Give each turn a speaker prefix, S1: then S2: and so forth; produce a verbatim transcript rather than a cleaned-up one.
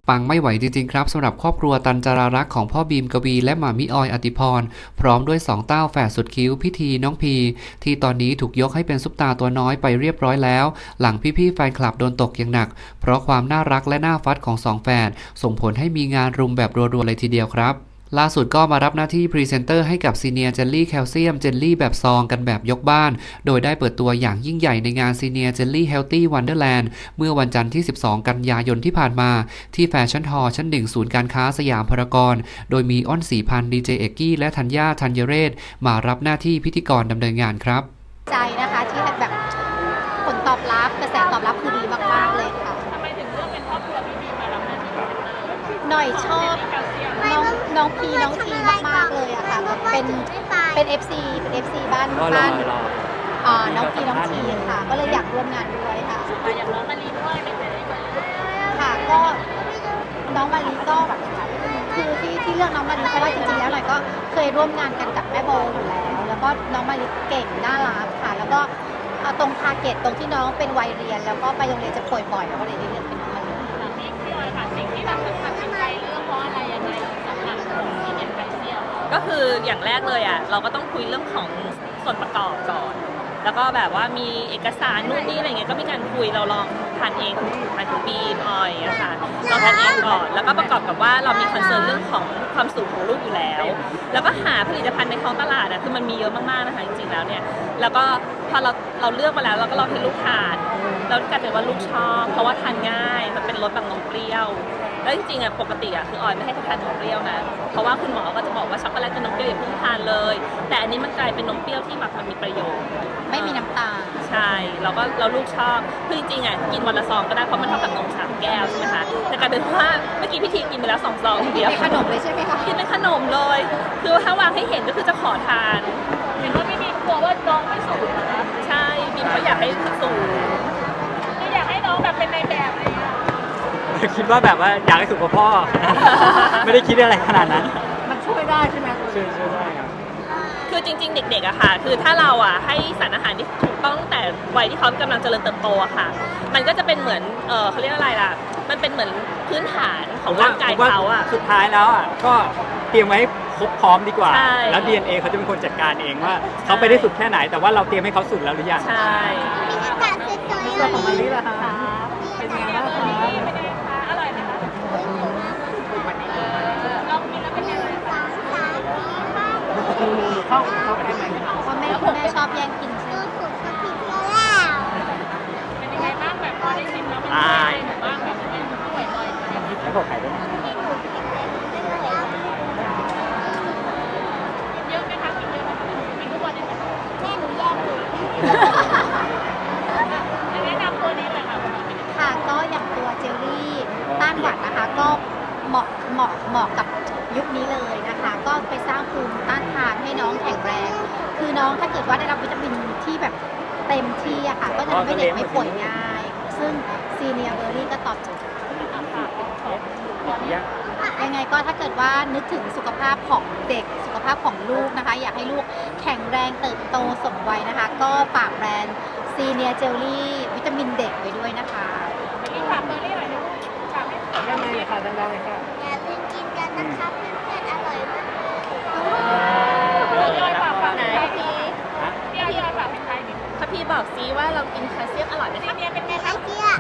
S1: ปังไม่ไหวจริงๆครับสำหรับครอบครัวตันจารารักษ์ของพ่อบีมกวีและหม่ามิออยอติพรพร้อมด้วยสองเต้าแฝดสุดคิ้วพิธีน้องพีที่ตอนนี้ถูกยกให้เป็นซุปตาตัวน้อยไปเรียบร้อยแล้วหลังพี่ๆแฟนคลับโดนตกอย่างหนักเพราะความน่ารักและน่าฟัดของสองแฝดส่งผลให้มีงานรุมแบบรัวๆเลยทีเดียวครับล่าสุดก็มารับหน้าที่พรีเซนเตอร์ให้กับซีเนียเจลลี่แคลเซียมเจลลี่แบบซองกันแบบยกบ้านโดยได้เปิดตัวอย่างยิ่งใหญ่ในงานซีเนียเจลลี่เฮลตี้วันเดอร์แลนด์เมื่อวันจันทร์ที่สิบสองกันยายนที่ผ่านมาที่แฟชั่นฮอลล์ชั้นหนึ่งศูนย์การค้าสยามพารากอนโดยมีอ้อนศรีพันธ์ดีเจเอกกี้และธัญญาธัญเรศมารับหน้าที่พิธีกรดำเนินงานครับ
S2: ใจนะคะที่แบบผลตอบรับกระแสตอบรับคือดีมากๆเลยค่ะ
S3: ทำไมถึงเลือกเป็นครอบครัวพี่บีมารับหน้าที่พรีเซนเตอร์
S2: หน่อยชอบน้องน้องพีน้องทีมากๆเลยอะค่ะเป็นเป็น เอฟ ซี เป็น เอฟ ซี บ้านบ้านอ่าน้องพีน้องทีค่ะก็เลยอยากร่วมงานด้วยค่ะ
S3: อยากน้องมาลีด้วยไม่เคยได้มา
S2: ค่ะก็น้องมาลีก็คือที่ที่เลือกน้องมาลีเพราะว่าจริงๆแล้วหน่อยก็เคยร่วมงานกันกับแม่โบอยู่แล้วแล้วก็น้องมาลีเก่งน่ารักค่ะแล้วก็ตรงทาร์เก็ตตรงที่น้องเป็นวัยเรียนแล้วก็ไปโรงเรียนจะป่วยบ่อยแล้วก็เลยได้เลือกเป็นน้องมาลี
S3: พี่พี่ออยค่ะสิ่งที่แบบตัดสินใจเลือกเพราะอะไรยังไงสำหรับของที่เป็นไคเซียล
S4: ก็คืออย่างแรกเลยอ่ะเราก็ต้องคุยเรื่องของส่วนประกอบก่อนแล้วก็แบบว่ามีเอกสารนู่นนี่อะไรเงี้ยก็มีการคุยเราลองทานเองหมายถึงบีมออยอะค่ะเราทานเองก่อนแล้วก็ประกอบกับว่าเรามีคอนเซิร์นเรื่องของความสูงของลูกอยู่แล้วแล้วก็หาผลิตภัณฑ์ในท้องตลาดอะคือมันมีเยอะมากๆนะคะจริงๆแล้วเนี่ยแล้วก็พอเราเราเลือกมาแล้วเราก็ลองให้ลูกทานแล้วกลายเป็นว่าลูกชอบเพราะว่าทานง่ายมันเป็นรสแบบนมเปรี้ยวแล้วจริงๆอ่ะปกติอ่ะคือออยไม่ให้เขาทานนมเปรี้ยวนะเพราะว่าคุณหมอก็จะบอกว่าช็อกโกแลตกับนมเปรี้ยวอย่าเพิ่งทานเลยแต่อันนี้มันกลายเป็นนมเปรี้ยวที่แบบมันมีประโยชน์
S2: ไม่มีน้ำตาล
S4: ใช่เราก็เราลูกชอบคือจริงๆอ่ะกินวันละซองก็ได้เพราะมันเท่ากับนมสามแก้วใช่ไหมคะแต่กลายเป็นว่าเมื่อกี้พี่ทีกินไปแล้วสองซองเดียว
S2: เป็นขนมเลยใช่ไหมคะ
S4: กินเป็นขนมเลยคือถ้าวางให้เห็นก็คือจะขอทาน
S3: เห็นว่าพี่บีกลัวว่าน้องไม่สูงนะ
S4: ใช่บีมเขาอยากให้สูง
S3: คืออยากให้น้องแบบเป็นในแบบอะไรอย่างเงี้ย
S5: คิดว่าแบบว่าอยากให้สุขกับพ่อ ไม่ได้คิดอะไรขนาดนั้น
S2: มันช่วยได้ใช่ไหม
S5: ช่วยช่วยได้ครับ
S4: คือจริงๆเด็กๆอะค่ะคือถ้าเราอะให้สารอาหารที่ถูกต้องแต่วัยที่เขากำลังเจริญเติบโตอะค่ะมันก็จะเป็นเหมือนเออเขาเรียกอะไรล่ะมันเป็นเหมือนพื้นฐานของร่างกายเขาอะ
S5: สุดท้ายแล้วอะก็เตรียมไว้ครบพร้อมดีกว่าแล้ว ดี เอ็น เอ เขาจะเป็นคนจัดการเองว่าเขาไปได้สุดแค่ไหนแต่ว่าเราเตรียมให้เขาสุดแล้วหรือยัง
S4: ใช่
S5: ตัวของมาลีล่ะคะเป็นไงบ้างคะ
S3: เป็นไงคะอร่อยไหมคะลองกินแล้วเป็นยังไงคะ
S5: เข้าเข้าไปได้ไหม
S2: พ่อแม่พ่อแม่ชอบแย่งกินใช่ไหม
S3: เป็นยังไงบ้างแบบพอได้ชิมแล้วมันเป็นยังไงบ้างแบบไม่ไหวลอย
S5: แล้วก็ไข่ด้วย
S3: เยอะไหมคะกินเยอะไหมกินทุกวันเลยไหม
S2: แม่หนูแย่งอยู่
S3: แนะนำตัวนี้เลยค่ะ
S2: ค่ะก็อย่างตัวเจลลี่ต้านหวัดนะคะก็เหมาะเหมาะเหมาะกับยุคนี้เลยนะคะก็ไปสร้างภูมิต้านทานให้น้องแข็งแรงคือน้องถ้าเกิดว่าได้รับวิตามินที่แบบเต็มที่อะค่ะก็จะทำให้เด็กไม่ป่วยง่ายซึ่งซีเนียเบอร์รี่ก็ตอบโจทย์ยังไงก็ถ้าเกิดว่านึกถึงสุขภาพของเด็กสุขภาพของลูกนะคะอยากให้ลูกแข็งแรงเติบโตสมวัยนะคะก็ฝากแบรนด์ซีเนียเจลลี่วิตามินเด็กไว้ด้วยนะคะ
S3: นี่ฝากเบอร์รี่หน่อยนะฝากให้
S5: ดังๆเลยค่ะดังๆเลยค่ะ
S2: อย่าลืมกินกันนะคะเพื่อนๆอร่อยมาก
S3: พี่ออยฝากฝากไหนพี่พี่ออยฝากเป็นใครดิ
S4: ถ้าพี่บอกซิว่าเรากินแคลเซียมอร่อยไหมคะ
S3: เนี่ยเป็นไงคะ
S2: เซีย